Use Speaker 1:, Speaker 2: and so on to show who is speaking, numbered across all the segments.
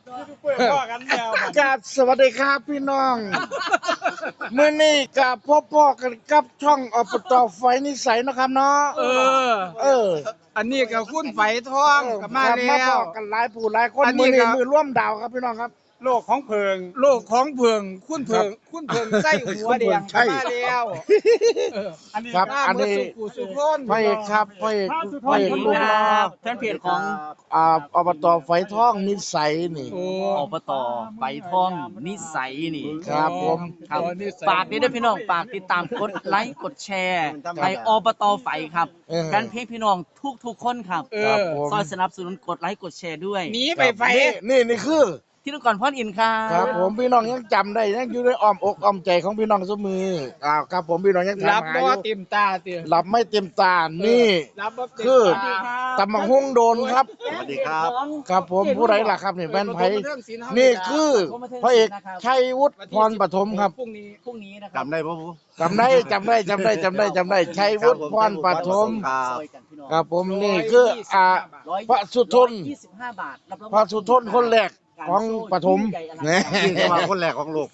Speaker 1: กับสวัสดีครับพี่น้องมื้อนี้กับพ่อกันกับช่องอบตไฟนิสัยนะครับเนาะ
Speaker 2: เออ อันนี้กับคุณไฝทองกับมา
Speaker 1: ครับมา
Speaker 2: แล้
Speaker 1: บ
Speaker 2: ว
Speaker 1: อกกันหลายผู้หลายคน
Speaker 2: อันนี้
Speaker 1: มื้อนี้
Speaker 2: ครับ
Speaker 1: มือร่วมดาวครับพี่น้องครับ
Speaker 2: โลกของเพิง โลกของเพิง คุณเพิง คุณเพิงไส้หัวแดง
Speaker 1: ใช่
Speaker 2: กับมาแล้วอันนี้
Speaker 1: ครับ
Speaker 2: หน้า
Speaker 1: อัน
Speaker 2: เมื่อ
Speaker 1: นี้
Speaker 2: สุกุสุพน
Speaker 1: พระเอกครับพระเอกพระเอกลูกน้อง
Speaker 3: แฟนเพจของ
Speaker 1: อบตไฟทองนิสัยนี่
Speaker 2: โอ้
Speaker 3: อบตไฟทองนิสัยนี่
Speaker 1: ครับผม
Speaker 3: ครับ
Speaker 2: นี่ใส่
Speaker 3: ฝากด้วยพี่น้องฝากติดตามกดไลค์กดแชร์ในอบตไฟครับ
Speaker 1: เออ
Speaker 3: แฟนเพจพี่น้องทุกคนครับ
Speaker 2: เอ
Speaker 1: ครับ
Speaker 2: อ
Speaker 1: ผม
Speaker 3: ซอยสนับสนุนกดไลค์กดแชร์ด้วย
Speaker 2: หนีไปไฟ
Speaker 1: นี่คือ
Speaker 3: ที่นุกรพ่อนอินครั
Speaker 1: ครับ บผมพี่น้องยังจำได้ยังอยู่ในอ้อมอกอ้อมใจของพี่น้องเสมอครับผมพี่น้องยัง
Speaker 2: รับ
Speaker 1: ถามหา
Speaker 2: บ่
Speaker 1: อยู่
Speaker 2: เต็มตาเตีย
Speaker 1: หลับไม่เต็มตานี่
Speaker 2: รับบ่เต็ม
Speaker 1: คือ
Speaker 2: ตา
Speaker 1: ตำบักหุ่งโดนครับ
Speaker 3: สวัสดีครับ
Speaker 1: ครับผมผู้ใดล่ะครับนี่แม่นไผนี่คือพระเอกชัยวุฒิพรปฐมครับ
Speaker 2: พรุ่งนี้
Speaker 3: พรุ่งนี้นะครับ
Speaker 4: จำได้ปะผม
Speaker 1: จำได้ชัยวุฒิพรปฐม
Speaker 3: ซอยกันพี่น้อง
Speaker 1: ครับผมนี่คือพระสุทน
Speaker 3: 125 บาทรับรอง
Speaker 1: พระสุทนคนแรกของปฐมเนี่ย
Speaker 4: ที่จะมาคนแรกของโลก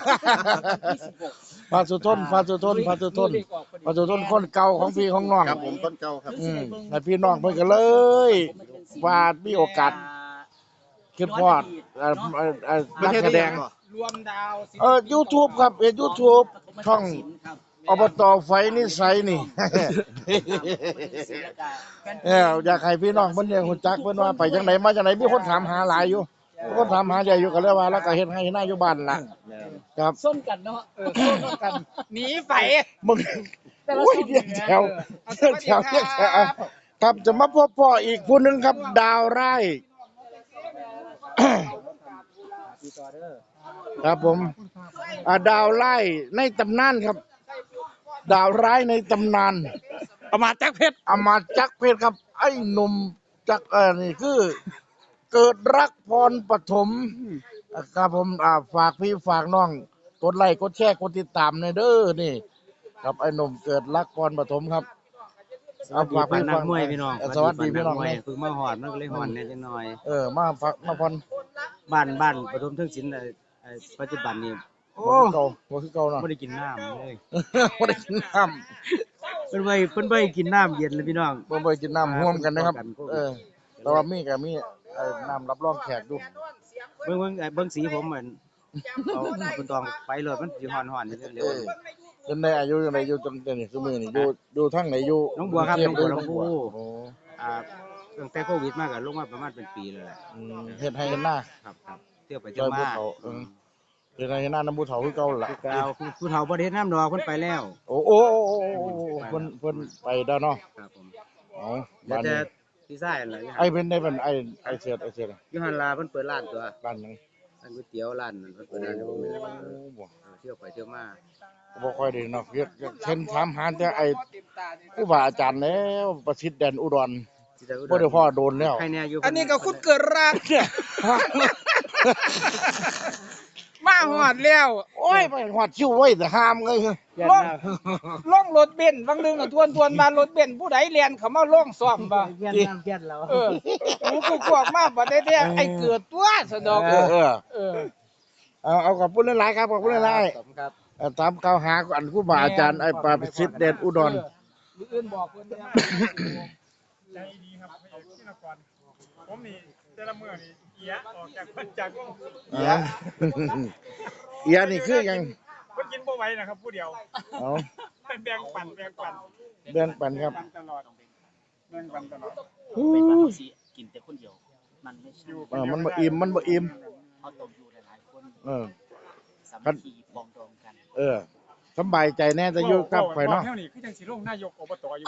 Speaker 1: พระสุทนคนเก่าของพี่ของน้อง
Speaker 4: ครับผมต้นเก่าครับ
Speaker 1: ให้พี่น้องเพิ่นก็เลยว่ามีโอกาสคิดพอดนักแสดง
Speaker 2: รวมดาว
Speaker 1: YouTube ครับYouTube ช่องอบตไฟนิสัยนี่ อยากให้พี่น้องเพิ่นเนี่ยฮู้จักเพิ่นว่าไปจังไดมาจังไดมีคนถามหาหลายอยู่มีคนถามหาใหญ่อยู่ก็เลยว่าแล้วก็เฮ็ดให้หน้าอยู่บ้านล่ะครับ
Speaker 3: ส้นกันเนาะ
Speaker 2: ส้นกันหนีไฟ
Speaker 1: มึงโอ้ยเรียกแถวครับจะมาพบพ่ออีกผู้หนึงครับดาวไร่ ครับผมดาวไร่ในตำนานครับ ดาวร้ายในตำนาน
Speaker 2: เอามาจักเพชร
Speaker 1: อมาตย์จักรเพชรครับ ไอ้หนุ่มจักรนี่คือ เกิดรักพรปฐมครับผมฝากพี่ฝากน้องกดไลค์กดแชร์กดติดตามในเด้อนี่ ครับไอ้หนุ่มเกิดรักพรปฐมครับ
Speaker 5: สวัสดีปานนักมวยพี่น้อง
Speaker 1: สวัสดีพี่น้อง
Speaker 5: ปา
Speaker 1: เนี่
Speaker 5: ก
Speaker 1: ย
Speaker 5: มวยเพิ่งมาหอดมันก็เลยหอนเนี่ยจังหน่อย
Speaker 1: มาฝากมาพร
Speaker 5: บ้านปฐมเทิงศิลป์ปัจจุบันนี้
Speaker 1: บ่คือเก่าเนาะ
Speaker 5: บ่ได้กินน้ำเลย
Speaker 1: บ่ได้กินน้
Speaker 5: เพิ่นบ่ให้กินน้ำเย็นเลยพี่น้อง
Speaker 1: ำบ่ได้กินน้ำร่วมกันนะครับ
Speaker 5: ป้องกันโควิด
Speaker 1: แต่ว่ามีก็มีน้ำรับรองแขกดู
Speaker 5: เบิ่งสีผมเหมือนเอาคุณตองไปเลยมันสิหอนๆเร็ว
Speaker 1: จนได้อายุจังไดอยู่จนเดี๋ยวนี้คือมื้อนี่อยู่ทางไหนอยู่
Speaker 5: น้องบัวครับ
Speaker 1: กรุ
Speaker 5: น้องบัว
Speaker 1: โอ้
Speaker 5: ตั้งแต่โควิดมาก็ลงมาประมาณเป็นปีแล้วแหละ
Speaker 1: เฮ็ดให้เห็นหน้า
Speaker 5: ครับเที่ยวไป
Speaker 1: จ
Speaker 5: เที่ย
Speaker 1: อ
Speaker 5: วย
Speaker 1: ภู
Speaker 5: มา
Speaker 1: เขาเฮ็ดให้เห็นหน้าน้ำภูเขาคือเก่าล่ะ
Speaker 5: กาวผู้เฒ่าบ่ได้เฮ็ดน้ำดอกเพิ่นไปแล้ว
Speaker 1: โอ้เพิ่นไปแล้วเนาะ
Speaker 5: ครับผม
Speaker 1: อ๋อ
Speaker 5: แต่
Speaker 1: บ้าน
Speaker 5: แต่
Speaker 1: นี้
Speaker 5: พี่ชายนั่นล่ะ
Speaker 1: ไอ้เป็นได้เป็นไอ้เสียด
Speaker 5: อยู่หั่นล่ะเพิ่นเปิดร้านตัว
Speaker 1: บ้านหยัง
Speaker 5: ร้านก๋วยเตี๋ยวร้านนั้นเพิ่นเปิดร้านให้ผมนี่แหละ
Speaker 1: บ่
Speaker 5: เที่ยวไปเที่ยวมา
Speaker 1: บ่ค่อยได้เนาะเช่นถามหาแต่ไอ้ครูบาอาจารย์แล้วประสิทธิ์แดนอุดร
Speaker 5: ที่จะ
Speaker 1: บ่ได้พ่อโดนแล้ว
Speaker 5: ใครแน่อยู่
Speaker 2: อันนี้ก็คุณเกิดรักเนี่ยมาหอดแล้ว
Speaker 1: โอ้ยไปหอดคิวไว้แต่ห้ามเลย
Speaker 5: เปลี่ยน
Speaker 2: ล่อง
Speaker 5: แล้ว
Speaker 2: ล่องรถเบนซ์บางนึงน่ะทวนมารถเบนซ์ผู้ใดเรียนเขามาล่องซ่อมบ่
Speaker 5: เปลี่ยนแล้ว
Speaker 2: กูกวกมาบ่ได้แท้ไอ้เกิดตัวสะดอก เออ
Speaker 1: เอาขอบคุณหลายๆครับขอบคุณหลาย
Speaker 5: ผมครับ
Speaker 1: ๆตามกล่าวหาอันครูบาอาจารย์ไอ้ประสิทธิ์แดนอุดร
Speaker 2: มื้ออื่นบอกเพิ่นแน่
Speaker 6: ใจดีครับพี่นกรผมนี่แต่ละมื้อนี่เอียออกจากวง
Speaker 1: เอียนี่คือหยัง
Speaker 6: เพิ่นกินบ่ไหวนะครับผู้เดียว
Speaker 1: เอา
Speaker 6: แบ่งปัน
Speaker 1: เดินปันครับ
Speaker 6: ตลอดแบ่งปันตลอด
Speaker 3: เป็นบางทีกินแต่คนเดียว มันไม่ใช่
Speaker 1: มันบ่อิ่ม
Speaker 3: เขาต้องอยู่หลายๆคน สามัคคีปองดองกัน
Speaker 1: สบายใจแน่จะอยู่กับข่อยเนาะ
Speaker 6: เท่านี้คือจังสิลงนายกอบตอยู่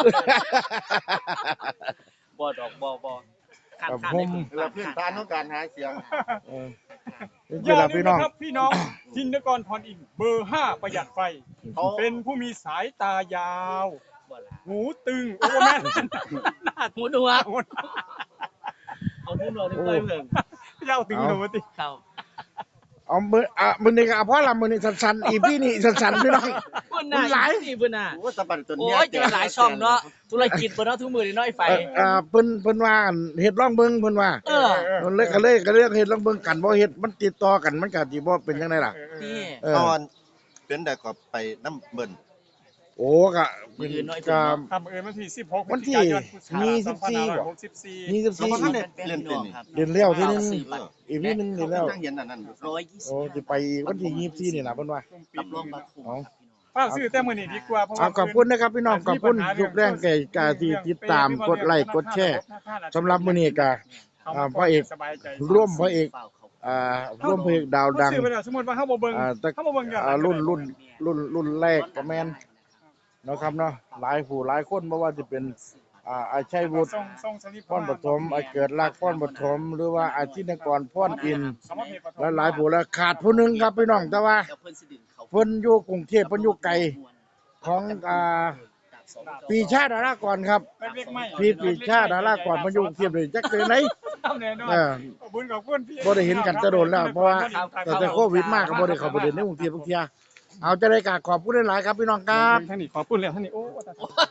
Speaker 3: บ่ดอกบ่ขาด
Speaker 1: ครับ
Speaker 3: ขาด
Speaker 1: ผม
Speaker 4: เราพื้นฐานของการหาเสียง
Speaker 1: นี่ล่ะพี่น้อง
Speaker 6: ครับพี่น้องทินกรพรอินทร์เบอร์ 5 ประหยัดไฟ เป็นผู้มีสายตายาว
Speaker 3: บ่ล่ะ
Speaker 6: หูตึงโอ้แม่น
Speaker 3: หูหนวกเอาหูหนวกนี่ไปเพิ่ง
Speaker 6: เจ้าตึงหนูติ
Speaker 3: เข้า
Speaker 1: เอามื้อนี้ก็เอาพอละมื้อนี้สั้นๆอีพี่นี่สั้นๆพี่น้อง
Speaker 3: เพิ่นน่ะ
Speaker 1: หลาย
Speaker 3: นี่เพิ่นน่ะ
Speaker 4: โอ้สะบัดตัว
Speaker 3: โอ้
Speaker 4: เนี้
Speaker 3: ยจะเป็นหลายช่องเนาะธุรกิจเพิ่นเนาะทุกมื้อนี่เนาะไอ้ไฟ
Speaker 1: เพิ่นว่าอั่นเฮ็ดลองเบิ่งเพิ่นว่า
Speaker 3: เออ
Speaker 1: เพิ่นเลยก็เลยเฮ็ดลองเบิ่งกันบ่เฮ็ดมันติดต่อกันมันก็สิบ่เป็นจังได๋ล่ะ
Speaker 3: นี่
Speaker 1: เออ
Speaker 4: ตอนเป็นได้ก็ไปน้ำเบิ่น
Speaker 1: โอ้ก็เป็นก็
Speaker 6: ครับวันที่16
Speaker 1: วันที่มี14บ่
Speaker 6: 24
Speaker 1: มี
Speaker 4: แล้วก็ท่านได้
Speaker 1: 14
Speaker 4: เล่นเป็นนี่
Speaker 1: เดือนแล้วทีนึง
Speaker 3: ซื้อบัตร
Speaker 1: อีกนิดนึงเดือนแล้ว
Speaker 4: นั่งเห็นอันนั้นอยู่
Speaker 3: 120
Speaker 1: โอ้สิไปวันที่24นี่ล่ะเพิ่นว่า
Speaker 3: รับรองบัตรคุ้ม
Speaker 1: เอา
Speaker 6: ฝากซื้อแต่มื้อนี้ดีกว่าเพราะ
Speaker 1: เอา
Speaker 6: ว่า
Speaker 1: ขอบคุณนะครับพี่น้องขอบคุณทุกแรงใจกาที่ติดตามกดไลค์กดแชร์สำหรับมื้อนี้ก็พระเอก
Speaker 6: สบายใจ
Speaker 1: ร่วมพระเอกร่วมพระเอกดาวดัง
Speaker 6: ซื้อไปแล้วสมมุติว่าเฮาบ่เบิ่ง
Speaker 1: แต่
Speaker 6: เฮาบ่เบิ่งย้อนหลัง
Speaker 1: รุ่นแรกก็แม่นเนาะครับเนาะหลายผู้หลายคนบ่ว่าจะเป็นอาชัยวุฒิ
Speaker 6: ส่งสลิป
Speaker 1: พรปฐมเกิดรักพรปฐมหรือว่าอาชินกรพรอินทร์
Speaker 6: คำว่าเพจปฐม
Speaker 1: และหลายผู้แล้วขาดผู้หนึงครับพี่น้องแต่ว่า
Speaker 3: เดี๋ยวเพิ่นสิดึงเขา
Speaker 1: เพิ่นอยู่กรุงเทพเพิ่นอยู่ไกลของปีชาดารากรครับ
Speaker 6: เล็กๆไม่
Speaker 1: พี่ปีชาดารากรเพิ่นอยู่กรุงเทพเลยจักเป็นไหน
Speaker 6: ทำแน่นอน
Speaker 1: เออ
Speaker 6: ขอบคุณขอบคุณพี่
Speaker 1: บ่ได้เห็นกันแต่โดนแล้วเพราะว่าตั้งแต่โควิดมาก็บ่ได้เข้าไปเดินในกรุงเทพทุกเที่ยเอาจะได้กราบขอบคุณหลายๆครับพี่น้องครับ
Speaker 6: ท่านนี่ขอบคุณแล้วท่านนี่โอ้